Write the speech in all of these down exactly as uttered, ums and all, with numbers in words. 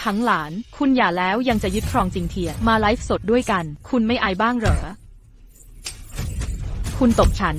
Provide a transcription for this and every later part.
ทั้งหลานคุณอย่าแล้วยังจะยึดครองจิงเทียมาไลฟ์สดด้วยกันคุณไม่อายบ้างเหรอคุณตบฉัน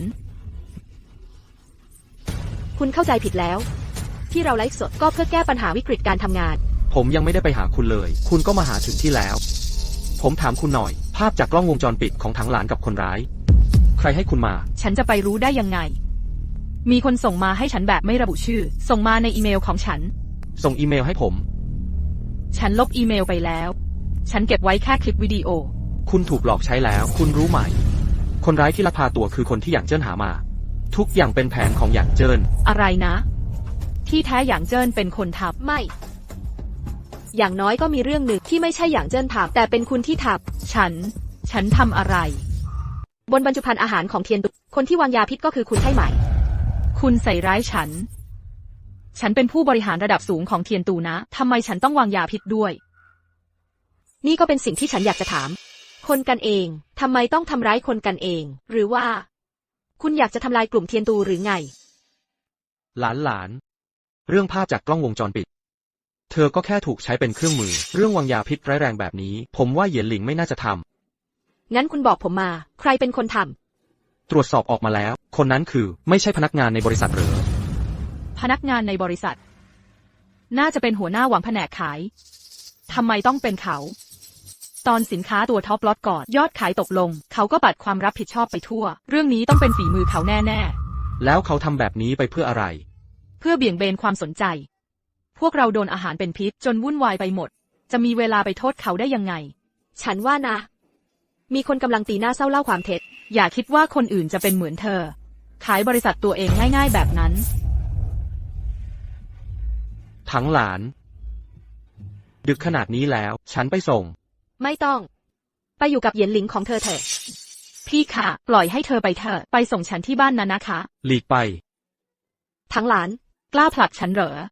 คุณเข้าใจผิดแล้วที่เราไลฟ์สดก็เพื่อแก้ปัญหาวิกฤตการทำงานผมยังไม่ได้ไปหาคุณเลยคุณก็มาหาถึงที่แล้วผมถามคุณหน่อยภาพจากกล้องวงจรปิดของถังหลานกับคนร้ายใครให้คุณมาฉันจะไปรู้ได้ยังไงมีคนส่งมาให้ฉันแบบไม่ระบุชื่อส่งมาในอีเมลของฉันส่งอีเมลให้ผมฉันลบอีเมลไปแล้วฉันเก็บไว้แค่คลิปวิดีโอคุณถูกหลอกใช้แล้วคุณรู้ไหมคนร้ายที่ลักพาตัวคือคนที่หยางเจิ้นหามาทุกอย่างเป็นแผนของหยางเจิ้นอะไรนะที่แท้หยางเจิ้นเป็นคนทำไม่อย่างน้อยก็มีเรื่องหนึ่งที่ไม่ใช่หยางเจิ้นทำแต่เป็นคุณที่ทำฉันฉันทำอะไรบนบรรจุภัณฑ์อาหารของเทียนตุคนที่วางยาพิษก็คือคุณใช่ไหมคุณใส่ร้ายฉันฉันเป็นผู้บริหารระดับสูงของเทียนตูนะทำไมฉันต้องวางยาพิษด้วยนี่ก็เป็นสิ่งที่ฉันอยากจะถามคนกันเองทำไมต้องทำร้ายคนกันเองหรือว่าคุณอยากจะทำลายกลุ่มเทียนตูหรือไงหลานหลานเรื่องภาพจากกล้องวงจรปิดเธอก็แค่ถูกใช้เป็นเครื่องมือเรื่องวางยาพิษร้ายแรงแบบนี้ผมว่าเหยียนหลิงไม่น่าจะทำงั้นคุณบอกผมมาใครเป็นคนทำตรวจสอบออกมาแล้วคนนั้นคือไม่ใช่พนักงานในบริษัทหรือพนักงานในบริษัทน่าจะเป็นหัวหน้าหวังแผนกขายทำไมต้องเป็นเขาตอนสินค้าตัวท็อปล็อตก่อนยอดขายตกลงเขาก็ปัดความรับผิดชอบไปทั่วเรื่องนี้ต้องเป็นฝีมือเขาแน่ๆแล้วเขาทำแบบนี้ไปเพื่ออะไรเพื่อเบี่ยงเบนความสนใจพวกเราโดนอาหารเป็นพิษจนวุ่นวายไปหมดจะมีเวลาไปโทษเขาได้ยังไงฉันว่านะมีคนกำลังตีหน้าเศร้าเล่าความเท็จอย่าคิดว่าคนอื่นจะเป็นเหมือนเธอขายบริษัทตัวเองง่ายๆแบบนั้นทั้งหลานดึกขนาดนี้แล้วฉันไปส่งไม่ต้องไปอยู่กับเหยียนหลิงของเธอเถอะพี่ค่ะปล่อยให้เธอไปเถอะไปส่งฉันที่บ้านนะนะคะหลีกไปทั้งหลานกล้าผลักฉันเหรอ